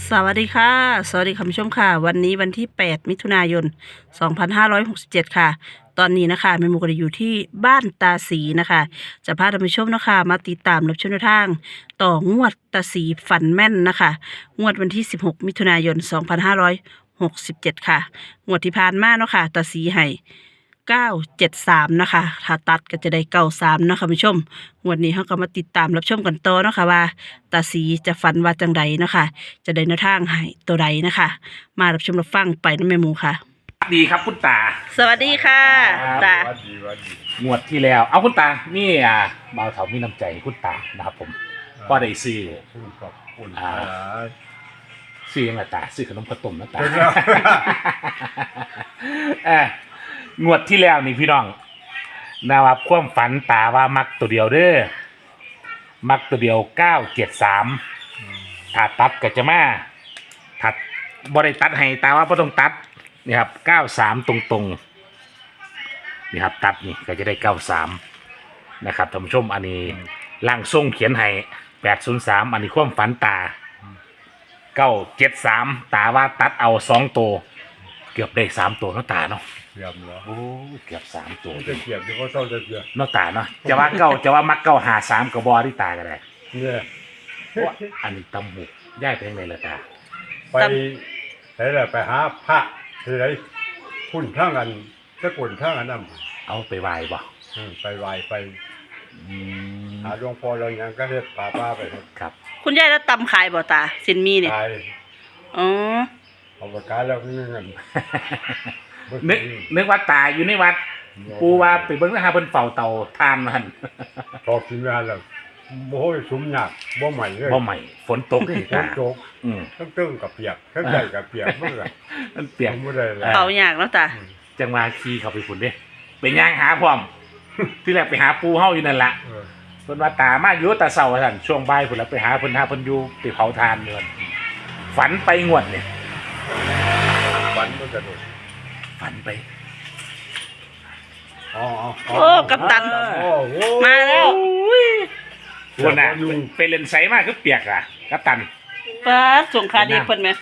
สวัสดีค่ะสวัสดีคุณผู้ชมค่ะวันนี้วันที่8มิถุนายน2567ค่ะตอนนี้นะคะแม่หมูก็ได้อยู่ที่บ้านตาสีนะคะจะพาท่านผู้ชมนะคะมาติดตามรับชมแนวทางต่องวดตาสีฝันแม่นนะคะงวดวันที่16มิถุนายน2567ค่ะงวดที่ผ่านมาเนาะค่ะตาสีให้973นะคะถ้าตัดก็จะได้93นะคะผู้ชมงวดนี้เราก็มาติดตามรับชมกันต่อเนาะค่ะว่าตาสีจะฝันว่าจังใดเนาะค่ะจะได้แนวทางให้ตัวใดนะคะมารับชมรับฟังไปนะแม่หมูค่ะดีครับคุณตาสวัสดีค่ะตาวัดดีงวดที่แล้ว เอาคุณตานี่บ่าวเถามีน้ำใจให้คุณตานะครับผมก็ได้ซื้อคุณขอบคุณซื้อยังไงตาซื้อขนมข้าวต้มนะตาเป็นแล้วงวดที่แล้วนี่พี่น้องนะครับความฝันตาว่ามักตัวเดียวเด้อมักตัวเดียว973ถ้าตัดก็จะมาถ้าบ่ได้ตัดให้ตาว่าบ่ต้องตัดนี่ครับ93ตรงๆนี่ครับตัดนี่ก็จะได้93นะครับท่านผู้ชมอันนี้ร่างทรงเขียนให้803อันนี้ความฝันตา973ตาว่าตัดเอา2ตัวเกือบได้3ตัวเนาะตาเนาะเกียบเหรอโอ้เกือบ3ตัวจะเกียบที่เขาต้องจะเกียบเนาะตาเนาะจะว่าเก้าจะว่ามักเก้าหา3กับบอที่ตาก็ได้เนี่ยเพราะว่าอันนี้ตำหุกย้ายไปทางไหนล่ะตาไปไหนแหละไปหาพระที่ไหนพุ่นข้างกันสกุลข้างกันนั่นเอาไปไหว้บ่ไปไหว้ไปอืมหาหลวงพ่อเราอย่างก็เฮ็ดป้าไปครับคุณยายแล้วตำขายบ่ตาสินมีเนี่ยตายอ๋อเอาไปขายแล้วนี่เงินนึกว่าตาอยู่ในวัดปูว่าไปเบิ่งนะฮะเพิ่นเฝ้าเตาทานมันพอกินงานแล้วโอ้ยสุมหนักบ่ใหม่เลยบ่ใหม่ฝนตกเลยฝตานตกอืมทั้งตึ้งกับเปียกทั้งใหญ่กับเปียกเมื่อมันเปียกไม่ได้เลยเป่าอยากแล้วตาจังหวะขี่เข้าไปฝุ่นเด้ไปย่างหาพร้อม ที่แรกไปหาปูเฮาอยู่นั่นล่ะเพิ่นว่าตามาอยู่แต่เช้าว่าซั่นช่วงบ่ายพุ่นแล้วไปหาเพิ่นอยู่ไปเผาทานเดือนฝันไปงวดเนี่ยฝันมันจะโดดฝันไปอ๋อโอ้กัปตันโอ้โหมาแล้วคนน่ะไปเล่นไสมากคือเปียกอ่ะกัปตันป้าส่งคาดีเพิ่นไหม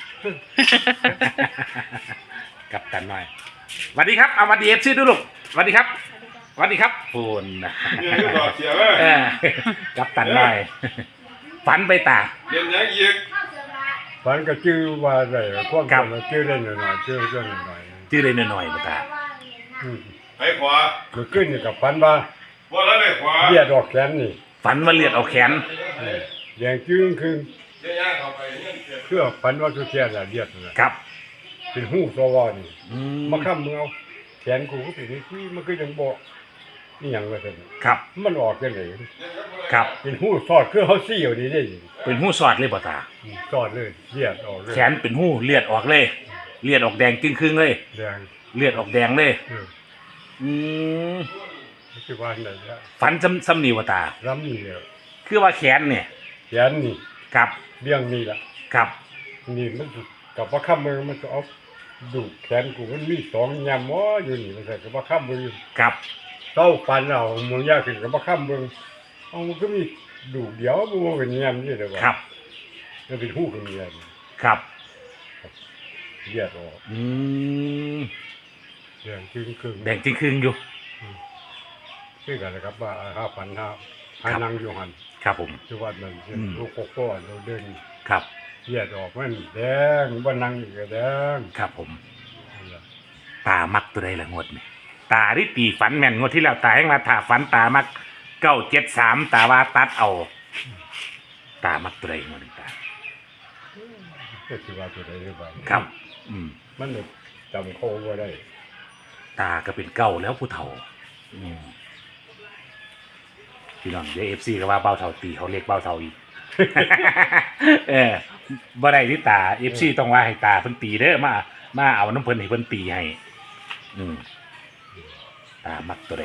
กัปตันหน่อยสวัสดีครับเอามาดีเอฟซีดูลูกสวัสดีครับสวัสดีครับปูนนะเนี่ยอยู่ต่อเสียเว้ยกัปตันหน่อยฝันไปตาเรียนยังอีกฝันก็ชื่อว่าอะไรความครับจำชื่อเล่นหน่อยๆชื่อเล่นหน่อยชื่อเลยหน่อยๆมาตาไปขวามันขึ้นอยู่กับฝันว่าว่าแล้วไปขวาเลียดออกแขนนี่ฝันว่าเลือดออกแขนแดงจึ้งคือเดี๋ยวย่างเข้าไปเนี่ยเสียเพื่อฝันว่าทุกแขนน่ะเลียดน่ะครับเป็นหูสวอนี่อืมาค้ำมึงเอาแขนกูก็เป็นที่มันก็ยังบอกนี่หยังว่าซั่นครับมันออกจังได๋ครับเป็นหูสอดคือเฮาซี่อยู่นี่ได้เป็นหูสอดเลยบ่ตาสอดเลยเลียดออกเลยแขนเป็นหูเลือดออกเลยเลือดออกแดงจึงครึ่งเลยแดงเลือดออกแดงเลย อืมคือว่าไหนละฝันซ้ำนี่ว่าตารำนี่แล้วคือว่าแขนเนี่ยแขนนี่ครับเลี้ยงนี่ล่ะครับนี่มันกับว่าข้ามมือมันจะเอาดูดแขนกูมันมีสองยำวะอยู่นี่มันใส่กับว่าข้ามมือครับเต้าปันเอามึงยากขึ้นกับว่าข้ามมือเอามันก็มีดูดเดียวมึงว่าเป็นยำนี่เลยวะครับมันเป็นหูเป็นยครับำเลียดออกอืมเลียงครึ่งครึ่งแดงจึงครึ่งอยู่คือกันนะครับว่า5,000หานังอยู่หันครับผมที่วัดนั่นอืมลูกโกโก้เราเดินครับเลียดออกมันแดงว่านังอีกก็แดงครับผม ตามักตัวใดละงวดนี่ตาที่ตีฝันแม่นงวดที่แล้วตาให้มาถาฝันตามัก973ตาว่าตัดเอา ตามักตัวใดงวดนี้ตาก็คือว่าตัวใดหรือเปล่าครับ อืมมันแบบจำโคว่าได้ตาก็เป็นเก้าแล้วผู้เฒ่า อืมพี่น้องเดี๋ยวFCก็ว่าเบาเฒ่าตีเขาเรียกเบาเฒ่าอีก บ่ได้ที่ตา FC ต้องว่าให้ตาเพิ่นตีเด้อมาเอาน้ำเพิ่นให้เพิ่นตีให้ อืมตามักตัวใด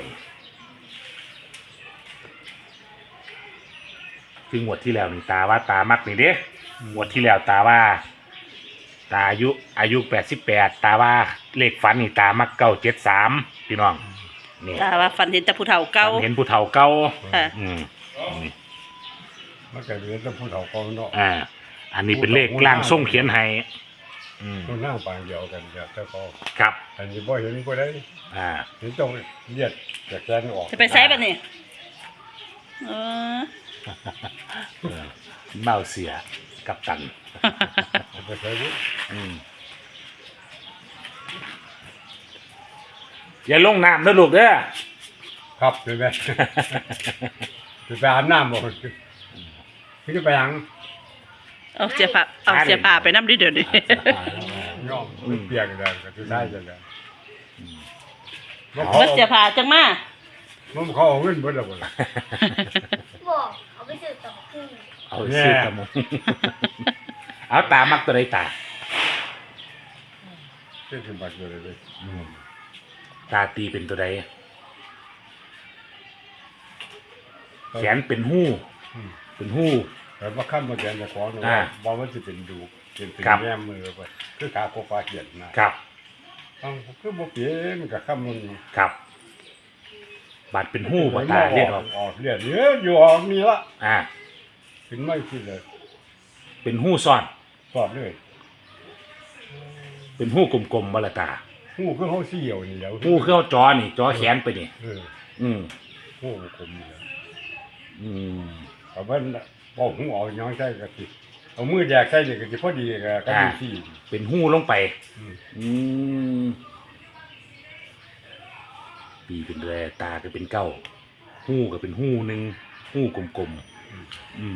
คืองวดที่แล้วนี่ตาว่าตามักนี่เด้งวดที่แล้วตาว่า ตาอายุ88ตาว่าเลขฝันนี่ตามัก973พี่น้องนี่ตาว่าฝันเห็นแต่ผู้เฒ่าเก่าฝันเห็นผู้เฒ่าเก่าค่ะอืมมันก็เรียนต้องพูดเอาเขาเนาะอ่าอันนี้เป็นเลขล่างส่งเขียนให้มันนั่งปางเดียวกันเดี๋ยวเจ้าก็ครับอันนี้บ่เห็นบ่ได้อ่าเห็นต้องเลียดจากแกนออกจะไปใช้ปะนี่เออเมาเสียกับตันไปใช้ดิอย่าลงน้ำนะลูกเด้อครับใช่ไหมจะไปอาบน้ำบ่พี่จะไปยังเอาเสียผ้าไปน้ำดิเดี๋ยวนี้ย่อมเปียกเลยก็จะได้จังได๋มันเสียผ้าจังมามันเขาเอาเงินเบิดแล้วบ่ล่ะบอกเอาไปซื้อต่อครึ่งเอาซื้อกระมุง เอาตามักตัวใดตาเจ็ดสิบบาทเลยตาตีเป็นตัวใดแขนเป็นหู้เป็นหู้แต่ว่าขั้นมาแกนจะขอหนูอ่าว่ามันจะเป็นดูเป็นครับแง่มือไปคือขาโคฟ้าเขียนนะครับ คือบ่เปลี่ยนกับคำมันครับบาดเป็นหู้บ่ตาเรียกออกออกเรียกเยอะอยู่ออกมีละอ่าขึ้นไม่ขึ้นเลยเป็นหู้ซ่อนสอบเลยเป็นหู้กลมๆบ่ละตาหูคือเขาเสี่ยวนี่แล้วหู้คือเอาจอนี่จอแขนไปนี่ อืมหูคมนี่แล้วอืมเอาเพิ่นบอกหูเอาย้อนใส่กะทิเอามือแยกใส่นี่กะทิพอดีก็ดูสี่เป็นหู้ลงไปอืมอืมปีเป็นแรตาก็เป็นเก้าหู้ก็เป็นหู้หนึ่งหู้กลมๆอืม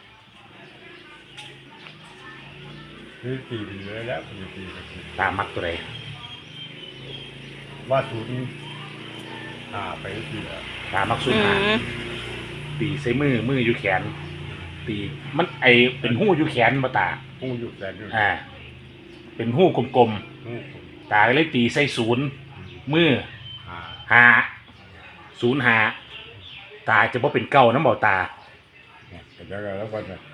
คือตีไปเลยแล้วคือตีกะทิตามักตัวใดว่าศูนย์ไปที่แล้วตามักสุดอืหาม ตีใส่มืออยู่แขน ตีมันไอเป็นหู้อยู่แขนมาตาหูอยู่แต่ดูอ่า เป็นหู้กลมหูคมๆตาก็เลยตีใส่ศูนย์มืออ่าหาศูนย์หาตาจะบ่เป็นเก้าน้ำเบาตาแล้วก็จะ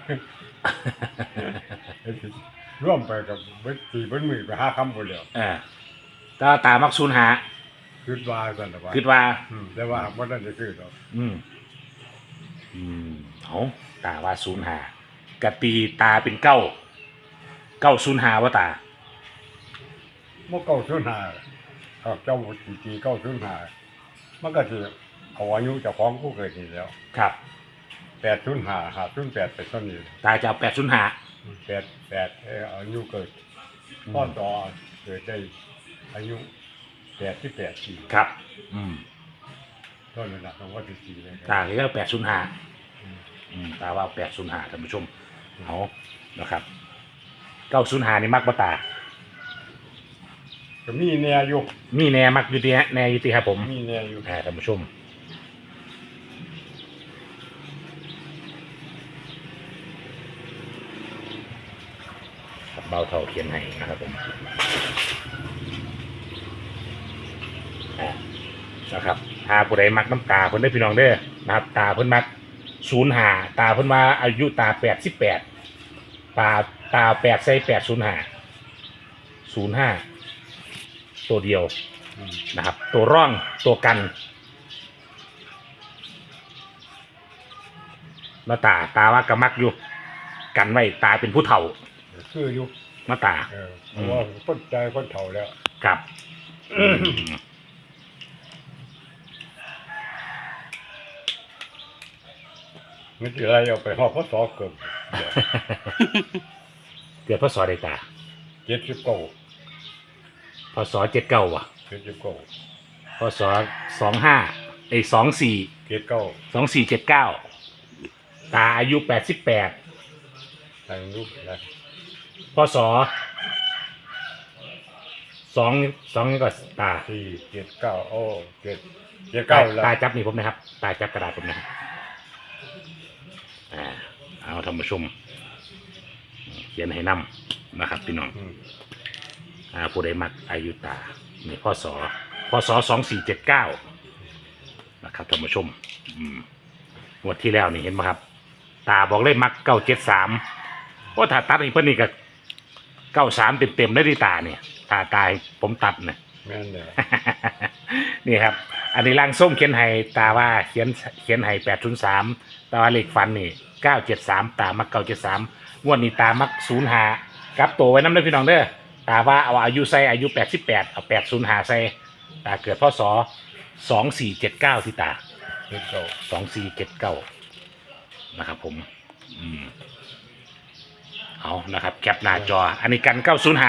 ร่วมไปกับเบิดตีเบิดมือไป5คำบ่แล้วตามักศูนย์หาคิดว่าซั่นน่ะว่าคิดว่าแต่ว่าบ่ได้จะคือดอกอืมเอาตาว่าศูนย์หากะตีตาเป็นเก้าศูนย์หาวะตาบ่เก้าศูนย์ห้าถ้าเจ้าตีเก้าศูนย์ห้ามันก็สิเอาอายุเจ้าของผู้เกิดนี่แล้วครับ 805 508ไปต้นนี้ตาจะเอา8ศูนย์หา 88อายุเกิดพ่อต่อเกิดได้อายุ88ปีครับต้นนั้นน่ะต้องว่าสิเลยตาก็8ศูนย์หาตาว่า8ศูนย์หาท่านผู้ชมเอานะครับ9ศูนย์หานี่มักบ่ตาก็มีแนวอยู่มีแน่มักอยู่ดีฮะแน่อยู่ดีครับผมมีแนวอยู่ท่านผู้ชมครับเบาเท่าเขียนให้นะครับผมนะครับถ้าผู้ใดมักน้ำตาเพิ่นได้พี่น้องเด้อนะครับตาเพิ่นมัก05ตาเพิ่นว่าอายุตา88ตา8ใส่805ตัวเดียวนะครับตัวร่องตัวกันมาตาว่ากระมักอยู่กันไว้ตาเป็นผู้เฒ่าคืออยู่มาตาเพราะว่าคนใจคนเฒ่าแล้วครับมันสิอะไรเอาไปฮอดพศเกือบเกิดพศใดตา 79 พศ79ว่ะ 79 พศ2524 79 2479ตาอายุ88 ทางลูกนะพศ2ก็ตา 479โอ้79แล้วตาจับนี่ผมนะครับตาจับกระดาษผมนะครับเอาท่านผู้ชมเขียนให้นำนะครับพี่น้องผู้ใดมักอายุตานี่พศ2479นะครับท่านผู้ชมงวดที่แล้วนี่เห็นไหมครับตาบอกเลยมัก973ว่าถ้าตัดอีกเพิ่นนี่ก็93เต็มๆได้ดีตาเนี่ยถ้าตายผมตัดเนี่ยแม่นแล้วนี่ครับอันนี้ล่างส้มเขียนให้ตาว่าเขียนให้803ตาว่าเลขฟันนี่973ตามัก973งงวดนี้ตามัก05กลับตัวไว้น้ำเด้อพี่น้องเด้อตาว่าเอาอายุใส่อายุ88เอา805ใส่ตาเกิดพศ2479ที่ตาเฮ็ดเก่า 2479นะครับผมเอานะครับแคปหน้าจออันนี้กัน905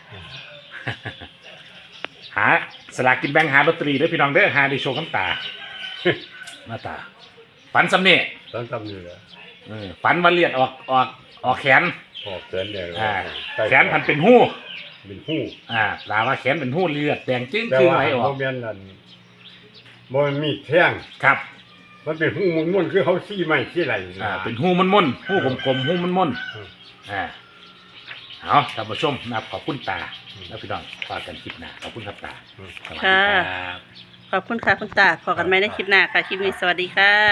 หาสลากกินแบ่งหาลอตเตอรี่เด้อพี่น้องเด้อหาได้โชว์คำตาหน้าตาฝันสำเนียตอนทำอยู่แล้วฝันว่าเลือดออกแขนออกเกินเลยแขนพันเป็นหู้เป็นหู้ลาว่าแขนเป็นหู้เลือดแดงจึ้งแต่คือว่าไหลออโมกเมนต์นั้นบ่มีแท่งครับมันเป็นหู้มุ่นๆคือเขาซี่ไม้ซี่ไหลเป็นหู้ม่นๆหู้กลมๆหู้ม่นๆเอาท่านผู้ชมนะครับขอบคุณตาแล้วพี่น้องฝากกันคลิปหน้าขอบคุณครับตาสวัสดีครับขอบคุณค่ะคุณตาพอกันไหมในคลิปหน้าค่ะ คลิปนี้สวัสดีค่ะ